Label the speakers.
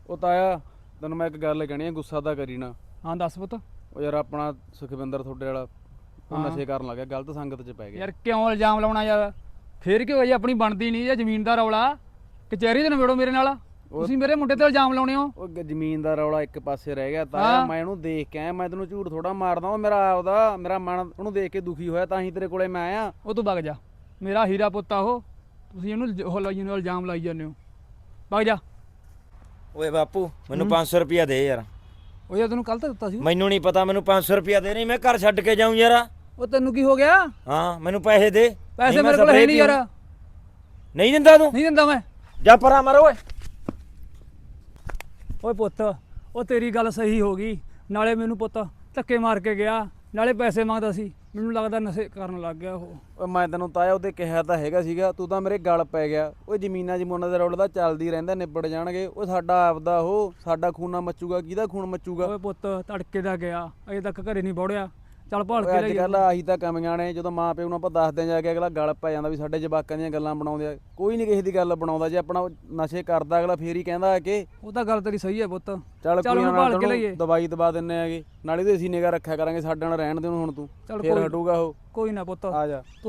Speaker 1: ਉਹ ਤਾਇਆ ਤੈਨੂੰ ਮੈਂ ਇੱਕ ਗੱਲ ਕਹਿਣੀ ਆ, ਗੁੱਸਾ ਤਾਂ ਕਰੀ ਨਾ।
Speaker 2: ਹਾਂ ਦੱਸ ਪੁੱਤ।
Speaker 1: ਉਹ ਯਾਰ ਆਪਣਾ ਸੁਖਵਿੰਦਰ ਤੁਹਾਡੇ ਵਾਲਾ ਉਹ
Speaker 2: ਹਾਂ।
Speaker 1: ਨਸ਼ੇ ਕਰਨ ਲੱਗ ਗਿਆ, ਗਲਤ ਸੰਗਤ 'ਚ ਪੈ ਗਿਆ।
Speaker 2: ਯਾਰ ਕਿਉਂ ਇਲਜ਼ਾਮ ਲਾਉਣਾ ਯਾਰ? ਫੇਰ ਕੀ ਹੋਇਆ ਜੀ, ਆਪਣੀ ਬਣਦੀ ਨਹੀਂ ਇਹ ਜ਼ਮੀਨ ਦਾ ਰੌਲਾ। ਕਚਹਿਰੀ 'ਚ ਨਿਬੇੜੋ ਮੇਰੇ ਨਾਲ। ਤੁਸੀਂ ਮੇਰੇ ਮੁੰਡੇ ਤੇ ਇਲਜ਼ਾਮ ਲਾਉਣੇ ਹੋ।
Speaker 1: ਉਹ ਜ਼ਮੀਨ ਦਾ ਰੌਲਾ ਇੱਕ ਪਾਸੇ ਰਹਿ ਗਿਆ ਤਾਇਆ।
Speaker 2: ਹਾਂ।
Speaker 1: ਮੈਂ ਇਹਨੂੰ ਦੇਖ ਕੇ ਆਇਆ, ਮੈਂ ਤੈਨੂੰ ਝੂਠ ਥੋੜਾ ਮਾਰਦਾ। ਉਹ ਮੇਰਾ ਆਪਦਾ ਮੇਰਾ ਮਨ ਉਹਨੂੰ ਦੇਖ ਕੇ ਦੁਖੀ ਹੋਇਆ, ਤਾਂ ਹੀ ਤੇਰੇ ਕੋਲੇ ਮੈਂ ਆਇਆ।
Speaker 2: ਉਹ ਤੂੰ ਵਗ ਜਾ, ਮੇਰਾ ਹੀਰਾ ਪੁੱਤ ਆ ਉਹ। ਤੁਸੀਂ ਇਹਨੂੰ ਇਲਜ਼ਾਮ ਲਾਈ ਜਾਂਦੇ ਹੋ। ਵਗ ਜਾ।
Speaker 3: ਓਏ ਬਾਪੂ ਮੈਨੂੰ 500 ਰੁਪਿਆ ਦੇ ਯਾਰ।
Speaker 2: ਉਹ ਯਾਰ ਤੈਨੂੰ ਕੱਲ ਤਾਂ ਦਿੱਤਾ ਸੀ।
Speaker 3: ਮੈਨੂੰ ਨਹੀਂ ਪਤਾ, ਮੈਨੂੰ 500 ਰੁਪਿਆ ਦੇ, ਨਹੀਂ ਮੈਂ ਘਰ ਛੱਡ ਕੇ ਜਾਊਂ ਯਾਰ।
Speaker 2: ਉਹ ਤੈਨੂੰ ਕੀ ਹੋ ਗਿਆ?
Speaker 3: ਹਾਂ ਮੈਨੂੰ ਪੈਸੇ ਦੇ।
Speaker 2: ਪੈਸੇ
Speaker 3: ਨਹੀਂ ਮੈਂ
Speaker 2: ਮੇਰੇ ਕੋਲ ਹੈ
Speaker 3: ਸਪਰੇਅ
Speaker 2: ਨਹੀਂ ਯਾਰ।
Speaker 3: ਨਹੀਂ ਦਿੰਦਾ ਤੂੰ?
Speaker 2: ਨਹੀਂ ਦਿੰਦਾ ਮੈਂ।
Speaker 3: ਜਾ ਪਰਾਂ ਮਰ ਓਏ।
Speaker 2: ਓਏ ਪੁੱਤ, ਉਹ ਤੇਰੀ ਗੱਲ ਸਹੀ ਹੋ ਗਈ। ਨਾਲੇ ਮੈਨੂੰ ਪੁੱਤ ਧੱਕੇ ਮਾਰ ਕੇ ਗਿਆ, ਨਾਲੇ ਪੈਸੇ ਮੰਗਦਾ ਸੀ। ਮੈਨੂੰ ਲੱਗਦਾ ਨਸ਼ੇ ਕਰਨ ਲੱਗ ਗਿਆ ਉਹ।
Speaker 1: ਓਏ ਮੈਂ ਤੈਨੂੰ ਤਾਇਆ ਉਹਦੇ ਕਿਹਾ ਤਾਂ ਹੈਗਾ ਸੀਗਾ, ਤੂੰ ਤਾਂ ਮੇਰੇ ਗਲ ਪੈ ਗਿਆ। ਓਏ ਜ਼ਮੀਨਾਂ ਜਮੂਨਾਂ ਦਾ ਰੌਲਾ ਤਾਂ ਚੱਲਦੀ ਰਹਿੰਦਾ, ਨਿਬੜ ਜਾਣਗੇ। ਉਹ ਸਾਡਾ ਆਪਦਾ, ਉਹ ਸਾਡਾ ਖੂਨਾ ਮੱਚੂਗਾ, ਕਿਹਦਾ ਖੂਨ ਮੱਚੂਗਾ?
Speaker 2: ਓਏ ਪੁੱਤ ਤੜਕੇ ਦਾ ਗਿਆ, ਅਜੇ ਤੱਕ ਘਰੇ ਨਹੀਂ ਵੜਿਆ। ਚੱਲ ਭਾਲ ਕੇ
Speaker 1: ਓਏ ਅੱਜ
Speaker 2: ਲਈ।
Speaker 1: ਕੱਲ੍ਹ ਆਹੀ ਤਾਂ ਕਮੀਆਂ ਨੇ। ਜਦੋਂ ਮਾਂ ਪਿਓ ਨੂੰ ਆਪਾਂ ਦੱਸਦੇ ਜਾ ਕੇ ਅਗਲਾ ਗਲ ਪੈ ਜਾਂਦਾ ਵੀ ਸਾਡੇ ਜਵਾਕਾਂ ਦੀਆਂ ਗੱਲਾਂ ਬਣਾਉਂਦੇ ਆ। ਕੋਈ ਨਹੀਂ ਕਿਸੇ ਦੀ ਗੱਲ ਬਣਾਉਂਦਾ। ਜੇ ਆਪਣਾ ਨਸ਼ੇ ਕਰਦਾ ਅਗਲਾ ਫੇਰ ਹੀ ਕਹਿੰਦਾ ਆ ਕਿ
Speaker 2: ਉਹ ਤਾਂ ਗੱਲ ਤੇਰੀ ਸਹੀ ਹੈ ਪੁੱਤ।
Speaker 1: ਚੱਲ
Speaker 2: ਚੱਲ
Speaker 1: ਕੋਈ
Speaker 2: ਉਹਨੂੰ
Speaker 1: ਨਾ,
Speaker 2: ਭਾਲ ਕੇ ਲਈਏ।
Speaker 1: ਦਵਾਈ ਦਵਾ ਦਿੰਨੇ ਆਗੇ, ਨਾਲੇ ਤੇ ਅਸੀਂ ਨਿਗਾ ਰੱਖਿਆ ਕਰਾਂਗੇ। ਸਾਡੇ ਨਾਲ ਰਹਿਣ ਦੇ ਹੁਣ ਤੂੰ,
Speaker 2: ਚੱਲ
Speaker 1: ਫੇਰ
Speaker 2: ਕੋਈ-
Speaker 1: ਹਟੂਗਾ ਉਹ।
Speaker 2: ਕੋਈ ਨਾ ਪੁੱਤ।
Speaker 1: ਆ ਜਾ।